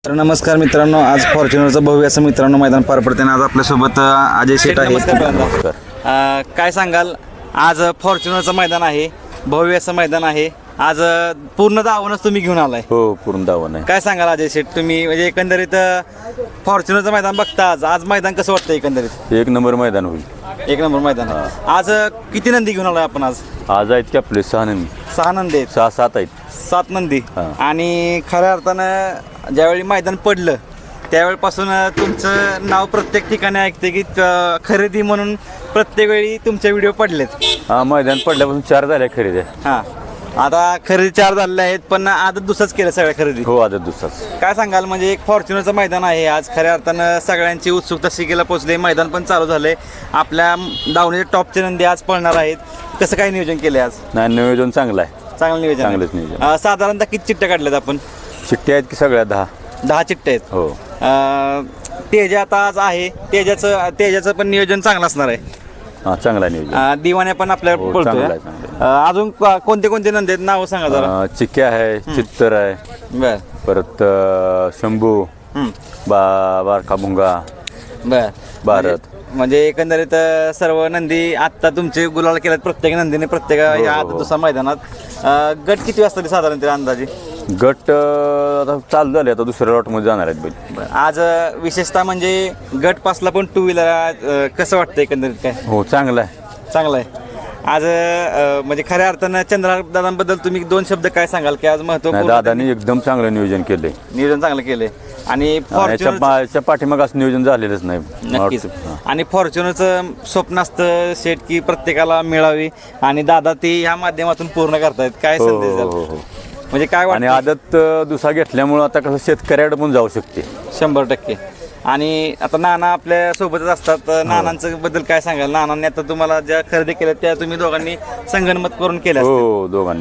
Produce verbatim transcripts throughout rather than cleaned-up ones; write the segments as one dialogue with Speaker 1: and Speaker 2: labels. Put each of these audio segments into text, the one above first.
Speaker 1: तर नमस्कार मित्रांनो, आज फॉर्च्युनरचं भव्य असं मित्रांनो मैदान पार पडते. आज आपल्यासोबत अजय शेठ आहे.
Speaker 2: नमस्कार.
Speaker 1: अ, काय सांगाल, आज फॉर्च्युनरचं मैदान आहे, भव्य असं मैदान आहे. आज पूर्ण दावणच तुम्ही घेऊन आलाय.
Speaker 2: हो, पूर्ण दावण आहे.
Speaker 1: काय सांगाल अजय शेठ, तुम्ही म्हणजे एकंदरीत फॉर्च्युनरचं मैदान बघता आज आज मैदान कसं वाटतं? एकंदरीत
Speaker 2: एक नंबर मैदान होईल.
Speaker 1: एक नंबर मैदान. आज किती नंदी घेऊन आलोय आपण? आज
Speaker 2: आज आहेत की आपले सहा नंदी,
Speaker 1: सहा नंदी आहेत.
Speaker 2: सहा सात आहेत.
Speaker 1: सात नंदी.
Speaker 2: हा.
Speaker 1: आणि खऱ्या अर्थानं ज्यावेळी मैदान पडलं त्यावेळेपासून तुमचं नाव प्रत्येक ठिकाणी ऐकते की अं, खरेदी म्हणून प्रत्येक वेळी तुमचे व्हिडिओ पडलेत.
Speaker 2: हा, मैदान पडल्यापासून चार झाल्या खरेदी.
Speaker 1: हां, आता खरेदी चार झालेले आहेत, पण आदत दुसरंच केलं सगळ्या खरेदी.
Speaker 2: हो, आदत दुसराच.
Speaker 1: काय सांगाल, म्हणजे एक फॉर्च्युनरचं मैदान आहे आज, खऱ्या अर्थानं सगळ्यांची उत्सुकता शिकेला पोहोचली. मैदान पण चालू झालंय, आपल्या दावणीचे टॉपचे नंदी आज पळणार आहेत. कसं काय नियोजन केलंय आज?
Speaker 2: नाही, नियोजन चांगलं आहे.
Speaker 1: चांगलं नियोजन आहे.
Speaker 2: चांगलंच नियोजन.
Speaker 1: अं, साधारणतः किती चिठ्ठ्या काढल्यात आपण?
Speaker 2: चिठ्ठ्या आहेत की सगळ्या दहा.
Speaker 1: दहा चिठ्ठ्या आहेत.
Speaker 2: हो.
Speaker 1: अं, तेजा आता आज आहे, तेजाचं तेजाचं पण नियोजन चांगलं असणार आहे.
Speaker 2: हा, चांगला नियोजन.
Speaker 1: अं, दिवाण्या पण आपल्या
Speaker 2: हो,
Speaker 1: पळतोय.
Speaker 2: चांगलं आहे, चांगलं आहे.
Speaker 1: अं, अजून को- कोणते कोणते नंदी आहेत, नाव सांगा जरा.
Speaker 2: अं, चिक्क्या आहे, चित्तर आहे,
Speaker 1: बर
Speaker 2: परत अं, शंभू,
Speaker 1: हं.
Speaker 2: बा बारका भुंगा,
Speaker 1: बर
Speaker 2: भारत.
Speaker 1: म्हणजे एकंदरीत अं, सर्व नंदी आत्ता तुमचे गुलाल केल्यात प्रत्येक नंदीने प्रत्येक
Speaker 2: हो,
Speaker 1: या
Speaker 2: हो.
Speaker 1: दुसऱ्या मैदानात. अं, गट किती वाजता ते साधारण ते अंदाजे?
Speaker 2: गट अं, आता चालू झाले, आता दुसऱ्या लॉटमध्ये जाणार आहेत बैल.
Speaker 1: आज अं, विशेषतः म्हणजे गट पासला पण टू व्हीलर कसं वाटतं एकंदरीत? काय
Speaker 2: हो, चांगला आहे.
Speaker 1: चांगलं आहे आज. अं, म्हणजे खऱ्या अर्थानं चंद्रा दादांबद्दल तुम्ही दोन शब्द काय सांगाल की आज
Speaker 2: नाही,
Speaker 1: महत्वपूर्ण
Speaker 2: दादानी एकदम चांगलं नियोजन केलंय.
Speaker 1: नियोजन चांगलं केलंय. आणि
Speaker 2: याच्या
Speaker 1: फॉर्च्युनर
Speaker 2: पा- याच्या पाठीमाग असं नियोजन झालेलंच नाही.
Speaker 1: नक्कीच.
Speaker 2: हा.
Speaker 1: आणि फॉर्च्युनरचं स्वप्न असतं शेट की प्रत्येकाला मिळावी, आणि दादा ती ह्या माध्यमातून पूर्ण करतायत. काय
Speaker 2: हो,
Speaker 1: संदेश
Speaker 2: हो,
Speaker 1: द्याल?
Speaker 2: हो, हो.
Speaker 1: म्हणजे काय
Speaker 2: आणि
Speaker 1: वाटतं?
Speaker 2: आदत अं, दुसरा घेतल्यामुळं आता कसं शेतकऱ्याकडे पण जाऊ शकते.
Speaker 1: शंभर टक्के. आणि आता नाना आपल्या सोबतच असतात. नानांचं बद्दल काय सांगाल? नानांनी आता तुम्हाला ज्या खरेदी केल्या त्या तुम्ही दोघांनी संगनमत करून केल्या असतील.
Speaker 2: हो, दोघांनी.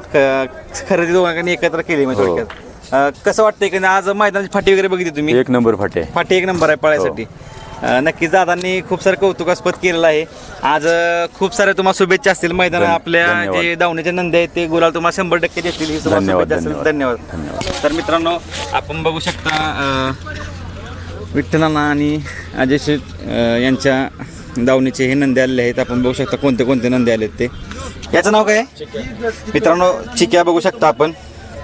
Speaker 1: ख- खरेदी दोघांनी एकत्र केली म्हणजे
Speaker 2: हो.
Speaker 1: थोडक्यात. अं, कसं वाटतंय की आज मैदानाची फाटी वगैरे बघितली तुम्ही?
Speaker 2: एक नंबर फाटे.
Speaker 1: फाटी एक नंबर आहे पळायसाठी. अं, नक्कीच दादांनी खूप सारं कौतुकास्पद केलेलं आहे आज. अं, खूप साऱ्या तुम्हाला शुभेच्छा असतील. मैदान
Speaker 2: धन्य-
Speaker 1: आपल्या
Speaker 2: धन्यवाद.
Speaker 1: जे दावणीचे नंदी आहेत ते गुलाल तुम्हाला शंभर टक्के देतील ही तुम्हाला
Speaker 2: धन्यवाद,
Speaker 1: शुभेच्छा असतील.
Speaker 2: धन्यवाद.
Speaker 1: धन्यवाद. तर मित्रांनो, आपण बघू शकता अं, विठ्ठलांना आणि अजय शेठ अं, यांच्या दावणीचे हे नंदी आलेले आहेत. आपण बघू शकता कोणते कोणते नंदी आलेत ते. याचं नाव काय आहे? मित्रांनो, चिक्या बघू शकता आपण.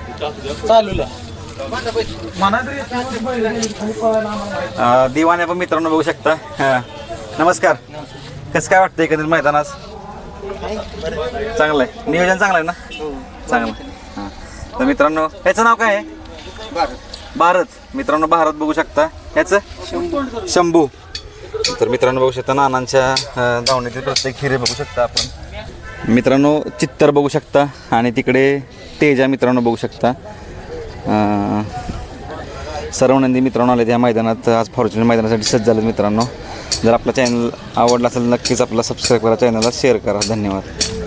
Speaker 1: अं, दिवाण्या पण मित्रांनो बघू शकता. हा. नमस्कार. कसं काय वाटतं एकंदरीत मैदानात? चांगलं आहे, नियोजन चांगलं आहे ना? चांगलं आहे. हां. तर मित्रांनो, ह्याचं नाव काय आहे? भारत. मित्रांनो, भारत बघू शकता. ह्याचं शंभू. तर मित्रांनो बघू शकता नानांच्या अं, दावणीतील प्रत्येक हिरे बघू शकता आपण. मित्रांनो, चित्तर बघू शकता आणि तिकडे तेजा मित्रांनो बघू शकता. अं, सर्व नंदी मित्रांनो आले त्या मैदानात. आज फॉर्च्युनर मैदानासाठी सज्ज झाले मित्रांनो. जर आपला चॅनल आवडला असेल नक्कीच आपला सबस्क्राईब करा, चॅनलला शेअर करा. धन्यवाद.